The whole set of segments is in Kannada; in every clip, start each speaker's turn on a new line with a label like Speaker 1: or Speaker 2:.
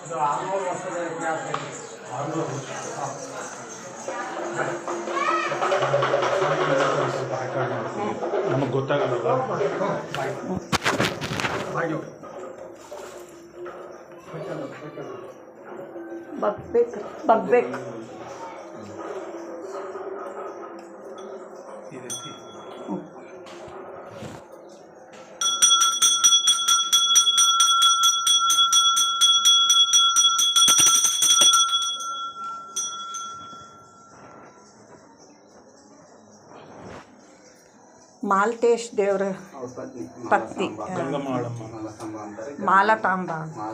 Speaker 1: ಇದು 600 ವರ್ಷದ ಇತಿಹಾಸ ಇದೆ.
Speaker 2: 600 ವರ್ಷ. ನಮಗೆ ಗೊತ್ತಾಗಲ್ಲ.
Speaker 3: ಬಗ್ಬೇಕು
Speaker 2: ಈ ರೀತಿ
Speaker 3: ಮಾಲ್ತೇಶ್ ದೇವ್ರ ಪತ್ನಿ ಮಾಲತಾಂಬ.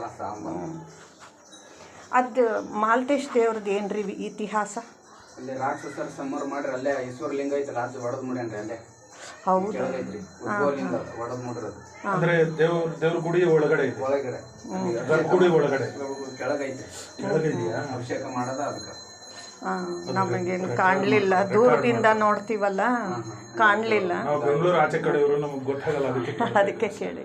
Speaker 3: ಅದು ಮಾಲ್ತೇಶ್ ದೇವ್ರದ್ದು ಏನ್ರಿ ಇತಿಹಾಸ?
Speaker 1: ಅಲ್ಲಿ ರಾಕ್ಷಸರ ಸಂಹಾರ ಮಾಡ್ರಿ, ಅಲ್ಲೇ ಈಶ್ವರಲಿಂಗ ಐತಲ್ಲ ಅದು ಒಡೆದು ಮುಡ್ಯಾನ್ರಿ. ಅಲ್ಲೇ
Speaker 3: ಹೌದು,
Speaker 1: ಕೆಳಗೈತ್ರಿ ಉದ್ಭವಲಿಂಗ ಒಡೆದು ಮುಡಿರೋದು.
Speaker 2: ಅಂದ್ರೆ ದೇವ್ರ ಗುಡಿ ಒಳಗಡೆ ಇದೆ.
Speaker 1: ಒಳಗಡೆ
Speaker 2: ಗರ್ಭಗುಡಿ ಒಳಗಡೆ
Speaker 1: ಕೆಳಗೈತ್ರಿ.
Speaker 2: ಕೆಳಗಿದೆಯಾ?
Speaker 1: ಅಭಿಷೇಕ ಮಾಡೋದ ಅದಕ್ಕೆ.
Speaker 3: ನಮಗೇನು ಕಾಣಲಿಲ್ಲ, ದೂರದಿಂದ ನೋಡ್ತೀವಲ್ಲ, ಕಾಣಲಿಲ್ಲ.
Speaker 2: ನಾವು ಬೆಂಗಳೂರು ಆಚೆ ಕಡೆಯವರು, ನಮಗೆ ಗೊತ್ತಾಗಲ್ಲ,
Speaker 3: ಅದಕ್ಕೆ ಕೇಳಿ.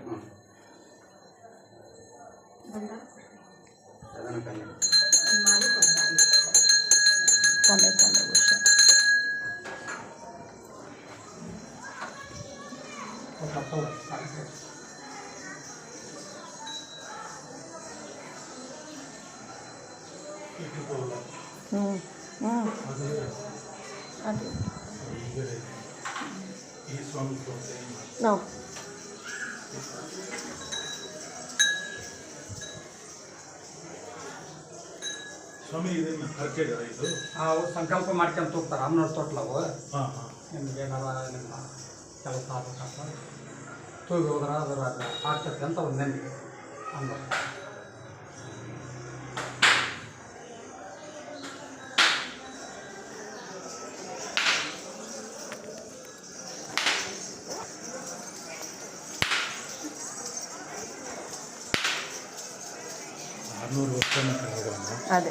Speaker 3: ಅದೇ
Speaker 2: ಈ ಸ್ವಾಮಿ
Speaker 3: ನಾವು
Speaker 2: ಸ್ವಾಮಿ ಇದನ್ನ ಹರಕೆ ಇದು
Speaker 1: ಅವ್ರು ಸಂಕಲ್ಪ ಮಾಡ್ಕೊಂತ ಹೋಗ್ತಾರೆ. ಅಮ್ಮನವ್ರ ತೊಟ್ಲವು
Speaker 2: ಹಾಂ ಹಾಂ
Speaker 1: ನಿಮ್ಗೆ ಏನಾರ ನಿಮ್ಮ ಕೆಲಸ ಆಗ್ಬೇಕಂತ ತೂಗಿ ಹೋದ್ರೆ ಅದರ ಆಗ್ತೈತೆ ಅಂತ ಒಂದು ನಂಬಿಕೆ ಅಂದ.
Speaker 3: ಅದೇ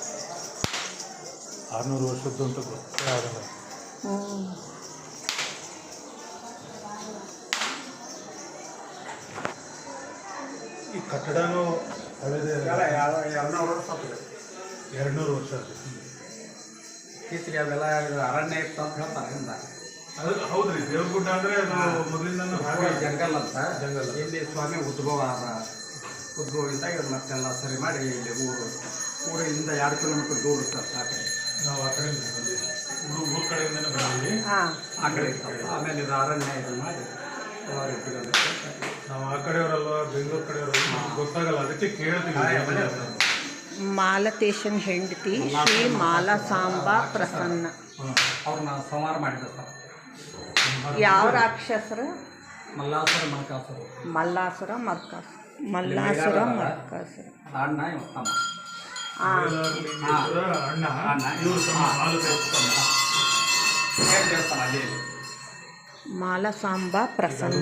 Speaker 2: 600 ವರ್ಷದ್ದು ಅಂತ ಗೊತ್ತೇ ಆಗಲ್ಲ. ಈ ಕಟ್ಟಡನೂ ಹಳೆದೇ.
Speaker 1: 200 ವರ್ಷ ಆಗ್ತದೆ.
Speaker 2: 200 ವರ್ಷ.
Speaker 1: ಇತ್ತೀಚೆಗೆ ಅವೆಲ್ಲ ಅರಣ್ಯ ಇತ್ತು ಅಂತ ಹೇಳ್ತಾರೆ. ಹಿಂದ
Speaker 2: ಅದು ಹೌದ್ರಿ, ದೇವ್ರಗುಡ್ಡ ಅಂದರೆ ಅದು ಮೊದಲಿಂದ
Speaker 1: ಜಂಗಲ್ ಅಂತ. ಜಂಗಲ್ ಇಲ್ಲಿ ಸ್ವಾಮಿ ಉದ್ಭವ ಇದ್ದಾಗ ಇದು ಮತ್ತೆಲ್ಲ ಸರಿ ಮಾಡಿ ಇಲ್ಲಿ ಊರಿಂದ 2 ಕಿಲೋಮೀಟರ್ ದೂರ ಇರ್ತಾರೆ ಸಾಕು.
Speaker 2: ನಾವು ಆ ಕಡೆಯಿಂದ ಬಂದಿದ್ವಿ, ಊರ ಕಡೆಯಿಂದನೇ ಬಂದಿದ್ವಿ.
Speaker 1: ಆ ಕಡೆ ಇರ್ತಾರೆ. ಆಮೇಲೆ ಇದು ಅರಣ್ಯ ಇದನ್ನು ಮಾಡಿ
Speaker 2: ನಾವು ಆ ಕಡೆಯವರಲ್ವ, ಬೆಂಗಳೂರು ಕಡೆಯವರಲ್ವ, ಗೊತ್ತಾಗಲ್ಲ, ಅದಕ್ಕೆ ಕೇಳ್ತೀವಿ.
Speaker 3: ಮಾಲತೇಶನ್ ಹೆಂಡತಿ ಶ್ರೀ ಮಾಲಸಾಂಬ ಪ್ರಸನ್ನ.
Speaker 1: ಅವ್ರನ್ನ ಸಂಹಾರ ಮಾಡಿದ ಸರ್.
Speaker 3: ಯಾವ ರಾಕ್ಷಸರು?
Speaker 1: ಮಲ್ಲಾಸುರ ಮರ್ಕಾಸುರ.
Speaker 3: ಮಲ್ಲಾಸುರ ಮರ್ಕಾಸುರ. ಮಲ್ಲಾಸುರ ಮರ್ಕಾಸುರ.
Speaker 1: ಅಣ್ಣ ಇವ ತಮ್ಮ.
Speaker 2: ಅಣ್ಣ ಇವರು
Speaker 1: ದೇವಸ್ಥಾನ ಅಲ್ಲಿ
Speaker 3: ಮಾಲಸಾಂಬ ಪ್ರಸನ್ನ.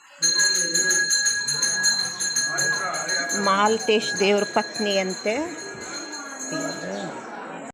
Speaker 3: ಮಾಲ್ತೇಶ್ ದೇವ್ರ ಪತ್ನಿ ಅಂತೆ.